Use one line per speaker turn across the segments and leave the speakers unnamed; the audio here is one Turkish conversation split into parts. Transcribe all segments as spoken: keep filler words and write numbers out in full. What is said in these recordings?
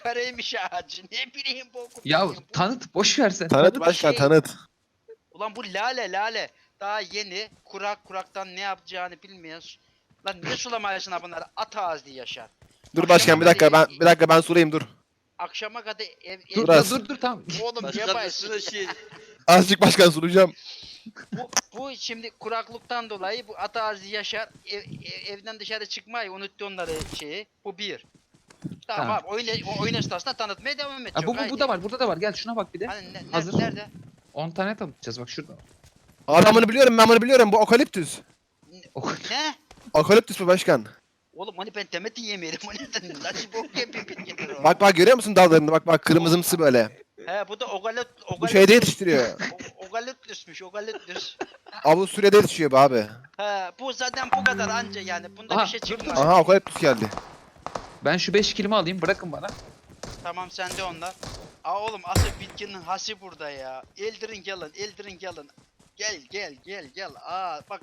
kareymiş ağacı. Ne bileyim bu okul.
Ya
bileyim bu.
tanıt boş ver sen.
Tanıt
Bu
başkan
şey-
tanıt.
Ulan bu lale lale. Daha yeni kurak kuraktan ne yapacağını bilmiyor. Lan ne sulamayasın ha bunları? At ağzı yaşar.
Dur
Akşama
başkan bir dakika
kadar-
ben bir dakika ben sorayım dur.
Akşama kadar ev, ev
Dur
Biraz.
dur dur tamam.
Oğlum
Başkan
yapaysın.
üstüne şey.
Azıcık başkan soracağım.
Bu, bu şimdi kuraklıktan dolayı bu at ağzı yaşar. Ev, ev- evden dışarı çıkmayı unuttu onları şeyi. Bu bir. Tamam,
Tamam.
abi oyun, o oyun esnasında tanıtmaya devam et.
Ha,
çok
bu, bu, bu
haydi.
da var burada da var. Gel şuna bak bir de.
Hani ne, ne-
Hazır.
nerede?
on tane tanıtacağız bak şurada.
Aa ben bunu biliyorum ben bunu biliyorum bu okaliptüs.
O-
Ne?
Okaliptüs bu başkan.
Oğlum hani ben demetin yemeyelim. O neden? Nasıl bok yapayım bir getir o.
Bak bak görüyor musun dallarını bak bak kırmızımsı böyle.
He bu da ogalet ogalet.
Bu şeyde yetiştiriyor.
Ogaletlüsmüş ogaletlüs.
Avusturya'da yetişiyor bu abi.
He bu zaten bu kadar anca yani. Bunda
Aha,
bir şey
dur,
çıkmaz.
Aha okaliptüs geldi.
Ben şu beş kilimi alayım bırakın bana.
Tamam sende onlar. Aa oğlum asıl bitkinin hası burada ya. Eldirin gelin, eldirin gelin. Gel gel gel gel. Aa bak.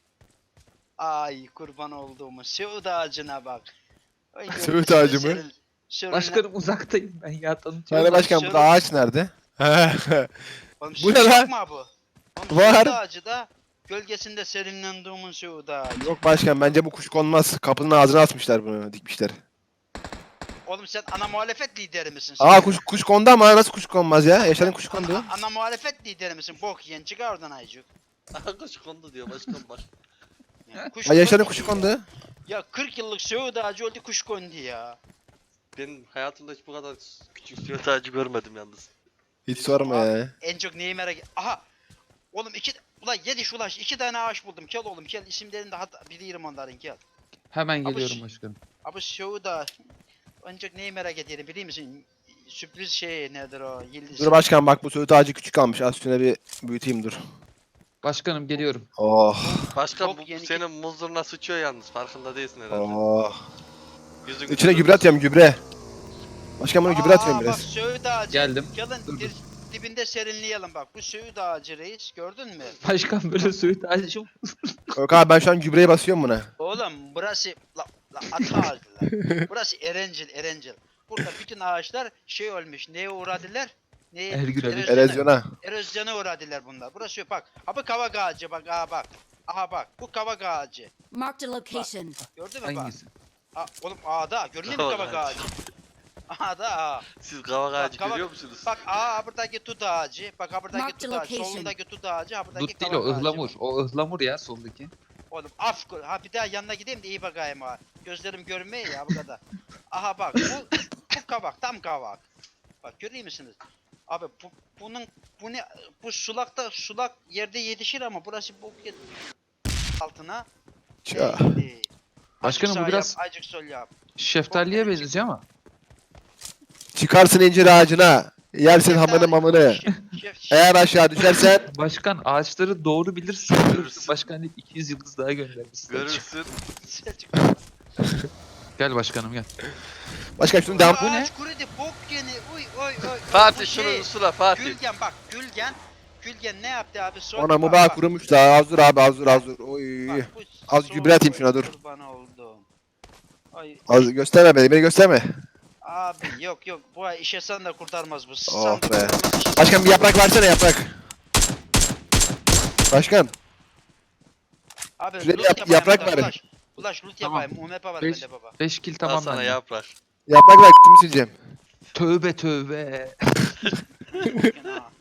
Ay kurban olduğumu. Söğüt ağacına bak. Ay,
Söğüt
gölgesinde
ağacı mı?
seril- seril-
Başkanım uzaktayım ben ya tanıtıyorum.
Hani başkan burada ağaç nerede?
Oğlum,
Bu ne
söğüt
lan?
yok mu bu? Oğlum,
Var.
Söğüt ağacı da gölgesinde serinlendiğimin söğüt ağacı.
Yok başkan bence bu kuş konmaz. Kapının ağzına asmışlar bunu dikmişler.
Oğlum sen ana muhalefet lideri misin? sen?
Aa kuş kuş kondu ama nasıl kuş konmaz ya? Yaşar'ın kuşu kondu.
Ana, ana muhalefet lideri misin? Bok yiyen çıkar oradan ayıcık.
Kuş kondu diyor başkan bak.
Yani kuş
Aa Yaşar'ın
kondu
kuşu
diyor.
kondu.
Ya kırk yıllık söğüt ağacı öldü kuş kondu ya.
Ben hayatımda hiç bu kadar küçük sürat ağacı görmedim yalnız.
Hiç sorma ya.
En çok neyi merak Aha! Oğlum iki... Ulan yedi şu ulaş iki tane ağaç buldum. Gel oğlum gel isimlerini de hatta bilirim onların gel.
Hemen
Abi
geliyorum
şu-
başkanım.
Abi söğüt ağacı. Ancak neyi merak ediyorum biliyor musun? Sürpriz şey nedir o? Yıldız.
Dur başkan bak bu söğüt ağacı küçük kalmış. Az şuna bir büyüteyim dur.
Başkanım geliyorum.
Oh
Başkan
Çok
bu
yeni-
senin muzuruna sıçıyor yalnız farkında değilsin herhalde.
oh.
Yüzün
İçine gübre atıyorum gübre. Başkan bunu gübre atıyorum
Aa,
biraz.
Bak söğüt ağacı.
Geldim.
Gelin
Dur,
dir- dibinde serinleyelim bak. Bu söğüt ağacı reis gördün mü?
Başkan böyle söğüt ağacı mı?
Yok abi ben şu an gübreyi basıyorum buna.
Oğlum burası la, la at ağacı lan. Burası Erencil Erencil. Burada bütün ağaçlar şey olmuş. Neye uğradılar? Neye?
Ergün abi.
Erozyona.
Erozyona uğradılar bunlar. Burası yok bak. Ha bu kavak ağacı bak. Aha bak. Aha bak. Bu kavak ağacı.
Marked a location.
Gördün mü bak?
Hangisi?
Aa, oğlum ağda. Görünüyor mu
Kavak
kavak
ağacı.
ağacı? Ağda ağa.
Siz kavak
Bak,
ağacı
kavak-
görüyor musunuz?
Bak aa buradaki tut ağacı. Bak ha buradaki
Mark the
tut ağacı.
location.
Solundaki tut ağacı. Ha buradaki
Dut değil
kavak
o
ağacı.
ıhlamur. O ıhlamur ya soldaki.
Oğlum af koy- ha bir daha yanına gideyim de iyi bakayım ha. Gözlerim görmüyor ya bu kadar. Aha bak bu bu kavak tam kavak. Bak görüyor musunuz? Abi bu bunun bu ne bu sulakta sulak yerde yetişir ama burası bok yet altına.
Ça.
Eğildi.
Başkanım,
Azıcık
bu
sağ
biraz-
yap, azıcık sol yap.
Şeftaliye benziyor ama.
Çıkarsın incir ağacına. Yersin hamını mamını.
Şef- şef- şef-
Eğer aşağı düşersen
Başkan ağaçları doğru bilirsin.
Görürsün.
Başkan deyip iki yüz yıldız daha göndermişsin.
Görürsün.
Selçuk.
Gel başkanım gel.
başkan şunu devam.
Bu ne?
Ağaç kurudu bok yeni. Uy oy oy. oy.
Fatih
Bu şey,
şunu sula Fatih.
Gülgen bak Gülgen. Gülgen ne yaptı abi? Sol
Ona
bak,
mübah
bak.
kurumuş da az dur abi az dur az dur. Oy.
Bak, bu
Az
sol
gübre atayım
boy
şuna, dur.
kurban oldum. Ay
Az gösterme beni beni gösterme.
abi yok yok bu ay işe sen de kurtarmaz bu.
Oh
Sen de
be.
kurtarmaz işe.
Başkan bir yaprak versene yaprak. Başkan.
Abi
şuraya
loot
yap-
yapayım
yaprak
burada,
ver.
Ulaş, ulaş loot
Tamam.
yapayım. U M P var
Beş-
bende baba.
beş kil
Tamam
tamam
sana
bende.
yaprak.
Yaprak ver kimi sileceğim.
Tövbe tövbe.
Gene ha.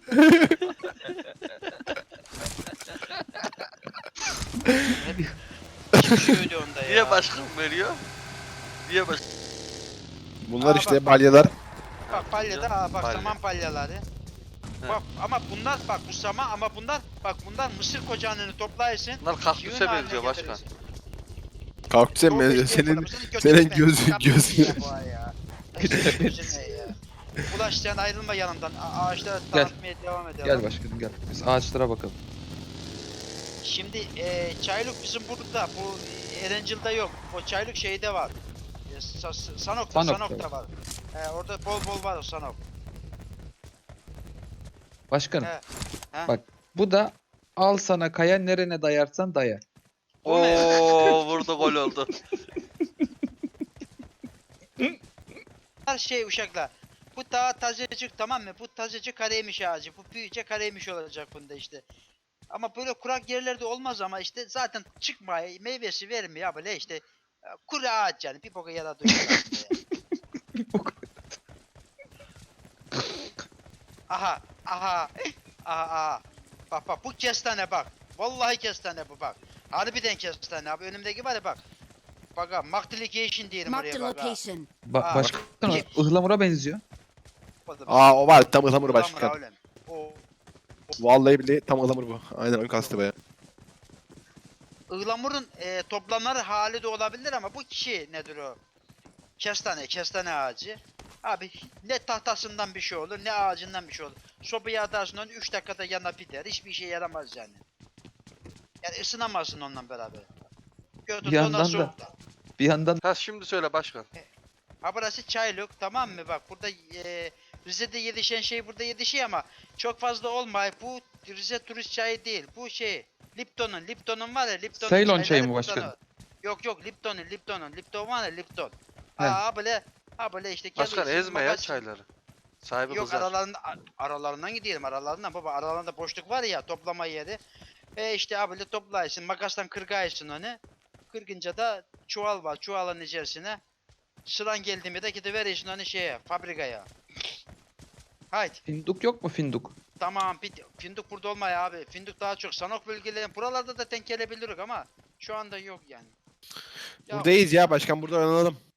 Kim şöyle onda ya?
Niye başkan veriyor? Niye baş...
Bunlar
Aa,
işte
bak, bak.
balyalar.
Bak palyada ha bak
Palya.
saman palyaları. Bak ama bunlar bak bu saman ama bunlar bak bunlar mısır kocağını toplayırsın.
Bunlar kaktüse
yığın haline
benziyor başkan.
getirirsin.
Kaktüse
Doğru
mi?
işte,
Senin
yapalım. götün
senin
ben.
gözün-
Kapatın
gözün-
ya bu ay ya. Senin gözün ne ya? Ulaş sen ayrılma yanımdan. A- ağaçlara
Gel.
tanıtmaya devam edelim.
Gel başkanım gel. Biz ağaçlara bakalım.
Şimdi e, çayluk bizim burada. Bu Erencil'de yok. O çayluk şeyde var. E, Sa- Sa- Sanok'ta,
Sanok'ta
Sanok'ta var. E, orada bol bol var o Sanok.
Başkanım
He. He.
Bak. bu da al sana kaya nerene dayarsan daya.
O ne?
Oo burada gol oldu.
şey uşaklar. Bu daha tazecik tamam mı? Bu tazecik kareymiş ağacı. Bu büyüyece kareymiş olacak bunda işte. Ama böyle kurak yerlerde olmaz ama işte zaten çıkmaya meyvesi vermiyor böyle işte e, kuru ağaç yani bir boka yaradı. Aha aha aha aha. Bak bak bu kestane bak. Vallahi kestane bu bak. Harbiden kestane abi önümdeki var ya bak. Bak abi multiplication diyelim
Marked
oraya
a
bak ha.
location.
Ba
Aa,
başkan o
ki-
ıhlamura benziyor.
O da-
Aa o var tam ıhlamur
Ulan
başkan.
bravo lan. O
Vallahi billahi tam ıhlamur bu. Aynen ön kastı baya.
ıhlamurun e, toplanır hali de olabilir ama bu kişi nedir o? Kestane, kestane ağacı. Abi ne tahtasından bir şey olur ne ağacından bir şey olur. Sobaya atarsın onu üç dakikada yana biter. Hiçbir işe yaramaz yani. Yani ısınamazsın onunla beraber. Götür
Bir yandan
ona
da-
soğukta.
Bir yandan
Ha şimdi söyle başkan.
Ha burası çaylık tamam mı bak burada e, Rize'de yetişen şey burada yetişiyor ama çok fazla olmay. Bu Rize turist çayı değil. Bu şey Lipton'un Lipton'un var ya Lipton'un
Ceylon
çayları
çayı mı
buradan
başkanım?
al. Yok yok Lipton'un Lipton'un Lipton var ya Lipton.
He.
Ha böyle ha böyle işte
Başkan
geliyorsun,
ezme ya
magazin-
çayları. Sahibi
Yok
kızar.
aralarında aralarından gidelim aralarından baba aralarında boşluk var ya toplama yeri. E işte abi böyle toplaysın makastan kırgaysın onu. Kırgınca da çuval var çuvalın içerisine. Sıran geldi mi de gidiverirsin onu şeye fabrikaya. Haydi.
finduk yok mu finduk?
Tamam bit fındık burada olmaya abi. Fındık daha çok sanok bölgeleri buralarda da denk gelebiliriz ama şu anda yok yani. Ya,
Buradayız ya başkan burada oynayalım.